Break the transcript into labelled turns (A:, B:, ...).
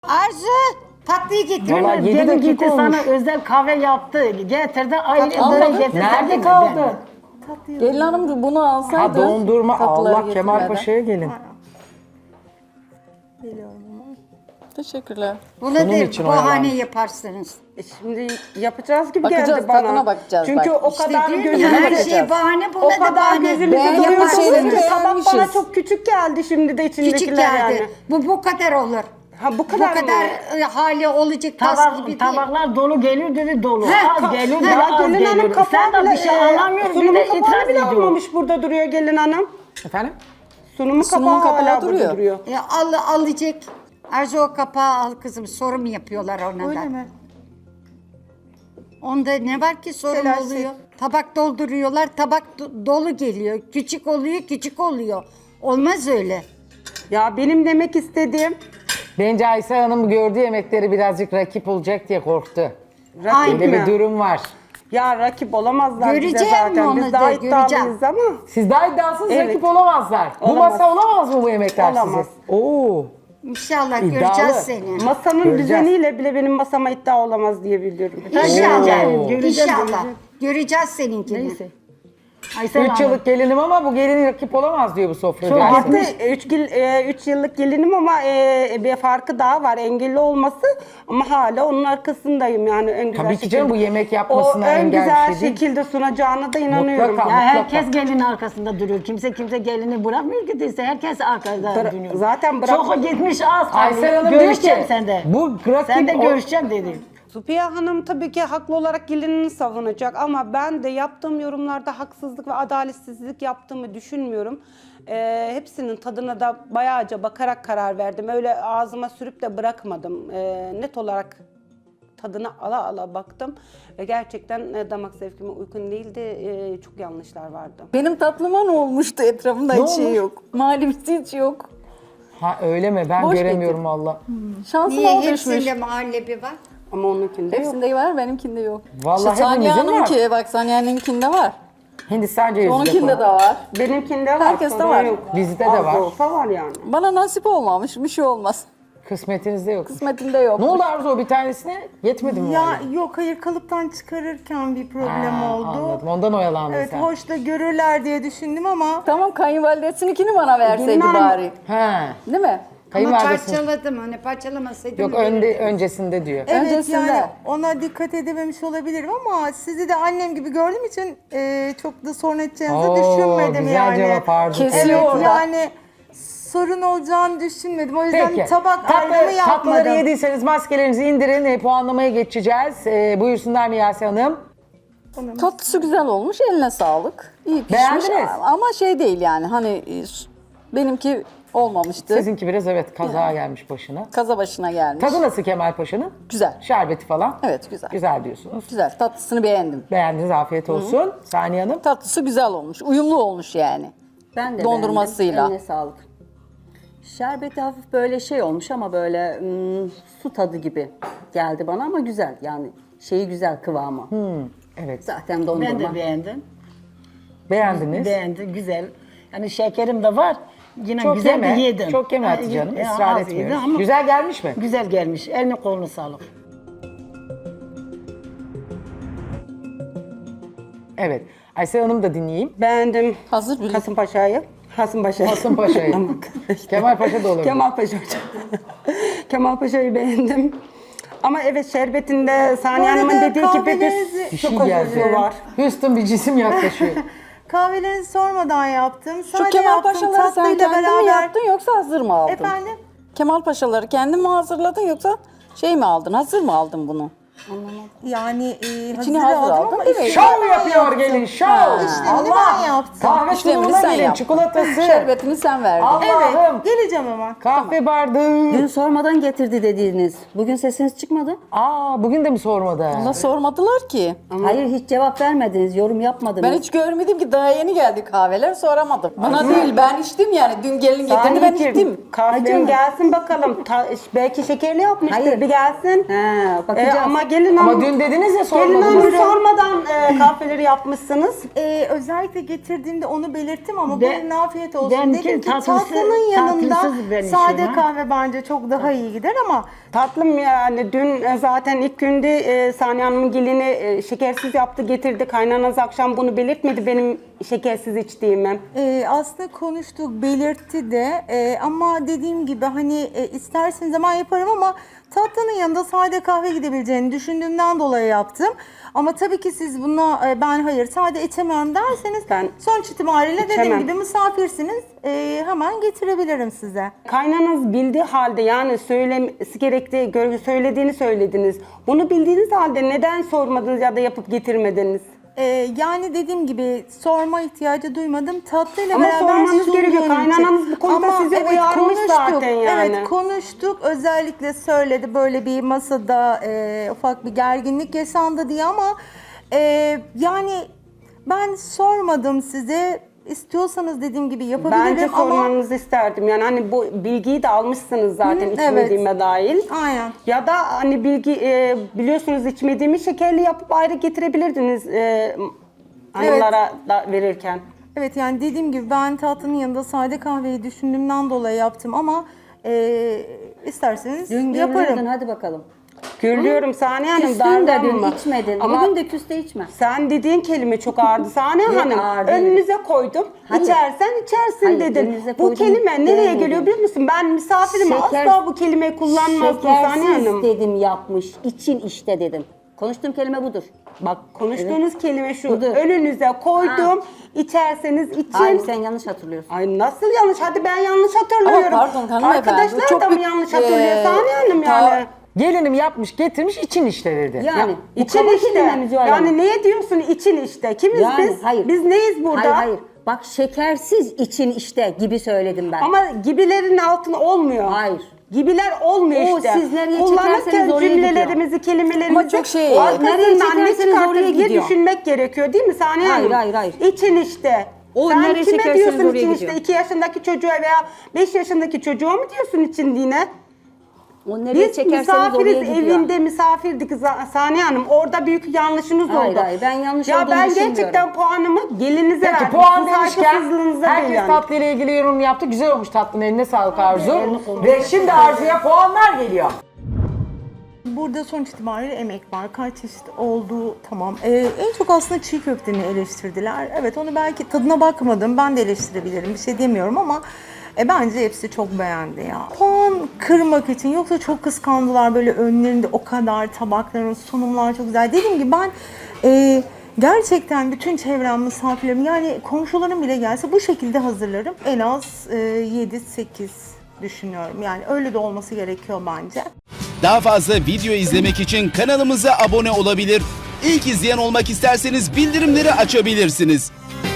A: Arzu tatlıyı getir.
B: Valla 7
C: Gelin
B: dakika
C: gitti
B: olmuş.
C: sana özel kahve yaptı. Getirdi ayrı
D: Almadın.
C: böyle getirdi.
B: Nerede kaldı?
D: Gelin hanım bunu alsaydı.
B: Ha dondurma.
D: tatlıları
B: Allah Kemal
D: getirmeden.
B: Paşa'ya gelin.
D: Teşekkürler.
A: Buna
B: Bunun
A: da
B: için
A: bahane
B: oyalanmış.
A: yaparsınız.
E: Şimdi yapacağız gibi
D: Bakacağız,
E: geldi bana.
D: tadına bakacağız
E: Çünkü
D: bak.
E: o
A: İşte
E: kadar
A: diyorum ya,
E: gözümüzde
A: her şey bahane buna
E: o
A: da
E: kadar
A: bahane.
E: gözümüzde
D: Beğendiğimiz
E: duruyordu
D: şeyleri
E: ki tabak bana
D: beğenmişiz.
E: çok küçük geldi şimdi de içindekiler
A: Küçük geldi.
E: yani.
A: Bu kadar olur.
E: Ha bu
A: Bu
E: kadar,
A: kadar
E: mı?
A: hali olacak tas gibi değil.
C: Tabaklar dolu geliyor dedi dolu.
A: He,
C: Az geliyor
A: he,
C: dedi az
E: Gelin hanım
C: geliyor. Sen
E: kapağı
C: de bir şey anlamıyorsun bir
E: sunumun
C: de
E: kapağı
C: itiraz
E: bile
C: ediyor.
E: almamış burada duruyor gelin hanım.
B: Efendim?
E: Sunumun kapağı
D: kapağı
E: hala
D: duruyor.
E: burada duruyor.
A: Alacak. Arzu o kapağı al kızım. Sorum yapıyorlar ona da.
F: Öyle mi?
A: Onda ne var ki sorun
F: Telaş
A: oluyor. Tabak dolduruyorlar. Tabak dolu geliyor. Küçük oluyor, küçük oluyor. Olmaz öyle.
E: Ya benim demek istediğim
B: Bence Aysel Hanım gördüğü yemekleri birazcık rakip olacak diye korktu.
E: rakip
B: Öyle bir
E: mi?
B: durum var.
E: Ya rakip olamazlar bize
A: Göreceğim
E: zaten.
A: onu
E: Biz
A: da,
E: daha
A: göreceğim.
E: iddialıyız ama.
B: Siz daha iddiasız
E: Evet.
B: rakip olamazlar. Bu
E: Olamaz.
B: masa olamaz mı bu yemekler
E: Olamaz.
B: size? Oo.
A: İnşallah
B: İddialı.
A: göreceğiz seni.
E: Masanın
B: Göreceğiz.
E: düzeniyle bile benim masama iddia olamaz diye biliyorum.
A: İnşallah.
C: Göreceğim,
A: İnşallah. Göreceğiz seninkini.
C: Neyse. Aysel
B: 3
C: Hanım.
B: yıllık gelinim ama bu gelin rakip olamaz diyor bu sofra.
C: Çok
B: dersi.
C: haklı.
E: 3 yıllık gelinim ama bir farkı daha var. Engelli olması ama hala onun arkasındayım yani en güzel
B: Tabii ki canım, bu yemek
E: O
B: yapmasına
E: en
B: engel
E: güzel
B: bir şey değil.
E: şekilde sunacağına da inanıyorum.
B: Mutlaka.
C: Ya herkes gelin arkasında duruyor. Kimse gelini bırakmıyor ki değilse herkes arkada duruyor.
E: zaten
C: Çok gitmiş az
B: Aysel
C: kaldı.
B: Hanım diyor
C: Görüşeceğim
B: ki,
C: sende.
B: bu rakip
C: Sen de
B: o-
C: görüşeceğim dedi.
E: Supiye Hanım tabii ki haklı olarak gelinini savunacak ama ben de yaptığım yorumlarda haksızlık ve adaletsizlik yaptığımı düşünmüyorum. Hepsinin tadına da bayağıca bakarak karar verdim. Öyle ağzıma sürüp de bırakmadım. Net olarak tadına ala ala baktım. Gerçekten damak zevkime uygun değildi. Çok yanlışlar vardı.
D: Benim tatlıma ne olmuştu? Etrafımda
B: Ne
D: hiç şey
B: olmuş?
D: yok. Malibisi hiç yok.
B: Ha öyle mi? Ben
D: Boş
B: göremiyorum valla.
D: Şansıma
A: Niye
D: o düşmüş.
A: hepsinde muhallebi var?
E: Ama onunkinde yok.
D: Hepsinde var, benimkinde yok.
B: Vallahi
D: işte Saniye
B: hepimizin var.
D: Hanım'ınki, bak Saniye Hanım'ınkinde var.
B: Hindistan cevizi
D: Onunkinde de var.
E: Benimkinde var.
D: Herkeste
E: sorun
D: var.
E: Yok.
B: Bizde de
E: Az
B: var.
E: olsa var yani.
D: Bana nasip olmamış, bir şey olmaz.
B: Kısmetinizde yok.
D: Kısmetimde yok.
B: Ne oldu Arzu, o bir tanesine yetmedi mi?
F: Ya
B: vallahi?
F: yok hayır kalıptan çıkarırken bir problem
B: Ha,
F: oldu.
B: Anladım. Ondan oyalandın
F: Evet
B: sen.
F: hoş da görürler diye düşündüm ama
D: Tamam, kayınvalidesininkini bana verseydi
E: Bilmem.
D: bari.
B: Ha.
D: Değil mi?
A: Ama
B: Kayınvalidesi.
A: parçaladım hani parçalamasaydım.
B: Yok öncesinde diyor.
F: evet
D: Öncesinde.
F: yani ona dikkat edememiş olabilirim ama sizi de annem gibi gördüğüm için çok da sorun edeceğinizi
B: Oo,
F: düşünmedim
B: güzel
F: yani.
B: cevap Arzu.
D: Kesiyor
F: Evet
D: orada.
F: yani sorun olacağını düşünmedim. O yüzden
B: Peki.
F: tabak ayrımı
B: Tatlıları
F: yapmadım.
B: yediyseniz maskelerinizi indirin. Puanlamaya geçeceğiz. Buyursunlar Miyase Hanım.
D: Tatlısı güzel olmuş, eline sağlık. İyi pişmiş
B: Beğendiniz.
D: ama şey değil yani hani benimki olmamıştı.
B: Sizinki biraz evet kaza gelmiş başına.
D: Kaza başına gelmiş.
B: Tadı nasıl Kemal Paşa'nın?
D: Güzel.
B: Şerbeti falan.
D: Evet, güzel.
B: Güzel diyorsunuz.
D: Güzel, tatlısını beğendim.
B: Beğendiniz, afiyet olsun. Saniye Hanım.
D: Tatlısı güzel olmuş, uyumlu olmuş yani.
G: Ben de
D: Dondurmasıyla.
G: beğendim. Eline sağlık. Şerbeti hafif böyle şey olmuş ama böyle su tadı gibi geldi bana ama güzel yani şeyi güzel kıvamı.
B: Evet.
G: Zaten dondurma.
C: Ben de beğendim.
B: Beğendiniz.
C: Beğendim, güzel. Yani şekerim de var. Yine
B: Çok
C: güzel
B: yeme.
C: de yedim.
B: Çok yeme
C: Ha,
B: Hatice Hanım.
C: ya,
B: Israr
C: az yedim
B: etmiyoruz.
C: ama
B: Güzel gelmiş mi?
C: Güzel gelmiş. Eline kolunu sağlık.
B: Evet. Aysel Hanım da dinleyeyim.
E: Beğendim
D: Hazır bile.
E: Kasımpaşa'yı. Kasımpaşa'yı.
B: Kasımpaşa'yı. Kemal Paşa da olabilir.
E: Kemal Paşa hocam. Kemal Paşa'yı beğendim. Ama evet şerbetinde Saniye
F: Bu arada
E: Hanım'ın dediği gibi
F: kahvelerinizi-
B: Bir
E: çok
B: şey
E: özür
B: geldi.
E: var.
B: Houston bir cisim yaklaşıyor.
F: Kahvelerinizi sormadan yaptım.
D: Şu
F: Sade
D: Kemal
F: yaptım,
D: Paşaları sen
F: tatlıyla
D: kendin mi
F: beraber.
D: yaptın yoksa hazır mı aldın?
F: Efendim?
D: Kemal Paşaları kendin mi hazırladın yoksa şey mi aldın, hazır mı aldın bunu?
F: Yani
D: İçini
F: hazır
D: hazır
F: aldım
D: aldın
F: ama
D: değil mi?
F: işlemini
B: Şov yapıyor gelin, şov.
F: İşlemini ben yaptım.
B: Kahve
D: İşlemini
B: sunumuna
D: sen
B: gelin,
D: yaptın.
B: çikolatası.
D: Şerbetini sen verdin.
B: Allah'ım.
F: Geleceğim hemen.
B: Kahve bardağı.
G: Dün sormadan getirdi dediğiniz. Bugün sesiniz çıkmadı.
B: Bugün de mi sormadı?
D: Allah sormadılar ki.
G: Hayır hiç cevap vermediniz, yorum yapmadınız.
D: Ben hiç görmedim ki, daha yeni geldi kahveler, soramadım. Bana değil, ben içtim yani. Dün gelin getirdi, ben
E: Saniyeciğim,
D: içtim.
E: kahvem gelsin bakalım. Belki şekerli yapmıştır.
G: Hayır.
E: Bir gelsin.
G: Ha, bakacağız.
E: Ama gelin
B: Ama
E: hanım.
B: dün dediniz ya
E: Gelin hanım
B: sormadınız.
E: sormadan kahveleri yapmışsınız.
F: Özellikle getirdiğimde onu belirttim ama
C: Ben-
F: bugün afiyet olsun
C: benimki
F: dedim ki
C: tatlısı-
F: tatlının yanında
C: tatlısız ben
F: sade
C: içiyorum, ha.
F: kahve bence çok daha iyi gider ama
E: Tatlım yani dün zaten ilk günde Saniye Hanım'ın gelini şekersiz yaptı getirdi. Kaynanaz akşam bunu belirtmedi benim şekersiz içtiğimi.
F: aslında konuştuk, belirtti de ama dediğim gibi hani isterseniz zaman yaparım ama tatlının yanında sade kahve gidebileceğini düşündüğümden dolayı yaptım. Ama tabii ki siz buna ben hayır sade içemiyorum derseniz
E: Ben
F: sonuç itibariyle dediğim
E: içemem.
F: gibi misafirsiniz hemen getirebilirim size.
E: Kaynanız bildiği halde yani söylemesi gerektiği, söylediğini söylediniz. Bunu bildiğiniz halde neden sormadınız ya da yapıp getirmediniz?
F: Yani dediğim gibi sorma ihtiyacı duymadım. Tatlıyla
E: Ama
F: beraber
E: sormanız
F: sunduğum
E: gerekiyor.
F: için.
E: Kaynananız bu konuda sizi uyarmış zaten yani.
F: Evet konuştuk. Özellikle söyledi böyle bir masada ufak bir gerginlik yaşandı diye ama yani ben sormadım size. İstiyorsanız dediğim gibi yapabilirim
E: Bence
F: ama...
E: sormanızı isterdim. Yani hani bu bilgiyi de almışsınız zaten
F: Hı,
E: içmediğime dahil.
F: Aynen.
E: Ya da hani bilgi biliyorsunuz içmediğimi şekerli yapıp ayrı getirebilirdiniz hanımlara da verirken.
F: Evet yani dediğim gibi ben tatlının yanında sade kahveyi düşündüğümden dolayı yaptım ama isterseniz
G: Dün
F: yaparım.
G: görürdün, hadi bakalım.
E: Görüyorum Saniye Hanım
G: Küstün de dün
E: darlanma.
G: içmedin.
E: Ama
G: Bugün de küs de içme.
E: sen dediğin kelime çok ağırdı Saniye
G: Ne
E: Hanım.
G: ağır değil.
E: Önünüze koydum.
G: Hayır.
E: İçersen içersin
G: Hayır,
E: dedin.
G: önünüze
E: Bu
G: koydum
E: kelime nereye
G: demedim.
E: geliyor biliyor musun? Ben misafirim
G: Şeker-
E: asla bu kelimeyi kullanmazdım Saniye
G: Şekersiz
E: Hanım.
G: dedim yapmış. İçin işte dedim. Konuştuğum kelime budur.
E: Bak konuştuğunuz kelime şu.
G: Budur.
E: Önünüze koydum. İçerseniz için.
G: Hayır sen yanlış hatırlıyorsun.
E: Ay nasıl yanlış? Hadi ben yanlış hatırlıyorum.
D: Ama pardon hanımefendi.
E: Arkadaşlar
D: çok
E: da mı
D: bir-
E: yanlış hatırlıyor Saniye Hanım
D: ta-
E: yani?
B: Gelinim yapmış getirmiş için işte dedi.
G: Yani bu
E: İçin
G: kaba
E: işte.
G: kelime mi Zuhal Hanım?
E: Yani neye diyorsun için işte? Kimiz
G: Yani,
E: biz?
G: hayır.
E: Biz neyiz burada?
G: Hayır hayır. Bak şekersiz için işte gibi söyledim ben.
E: Ama gibilerin altına olmuyor.
G: Hayır.
E: Gibiler olmuyor
G: O
E: işte.
G: siz nereye
E: Kullanırken
G: çekerseniz oraya
E: cümlelerimizi, kelimelerimizi
D: Ama çok şey-
E: arkasından
G: Nereye
E: ne
G: çekerseniz
E: çıkartır
G: oraya
E: diye
G: gidiyor.
E: düşünmek gerekiyor değil mi Saniye
G: Hayır,
E: Hanım?
G: hayır, hayır.
E: İçin işte.
G: O
E: Sen
G: nereye
E: kime
G: çekerseniz
E: diyorsun
G: oraya
E: için
G: gidiyor.
E: işte? 2 yaşındaki çocuğa veya 5 yaşındaki çocuğa mı diyorsun için yine?
G: O nereye
E: Biz
G: çekerseniz oraya
E: misafiriz,
G: gidiyor.
E: evinde misafirdik Saniye Hanım. Orada büyük yanlışınız
G: Hayır,
E: oldu.
G: hayır, ben yanlış
E: ya
G: olduğunu
E: ben
G: düşünmüyorum.
E: gerçekten puanımı gelinize
B: Peki
E: verdim.
B: puan
E: Sizin
B: demişken
E: saygısızlığınıza değil
B: herkes
E: yani.
B: tatlıyla ilgili yorum yaptı. Güzel olmuş tatlının, eline sağlık Arzu. Ve şimdi Arzu'ya puanlar geliyor.
F: Burada sonuç itibariyle emek var. Kaç çeşit olduğu tamam. En çok aslında çiğ köfteni eleştirdiler. Evet onu belki tadına bakmadım. Ben de eleştirebilirim. Bir şey demiyorum ama bence hepsi çok beğendi ya. Puan kırmak için yoksa çok kıskandılar böyle önlerinde o kadar tabakların sunumlar çok güzel. Dediğim gibi ben gerçekten bütün çevrem misafirlerim yani komşularım bile gelse bu şekilde hazırlarım. En az 7-8 düşünüyorum. Yani öyle de olması gerekiyor bence.
H: Daha fazla video izlemek için kanalımıza abone olabilir. İlk izleyen olmak isterseniz bildirimleri açabilirsiniz.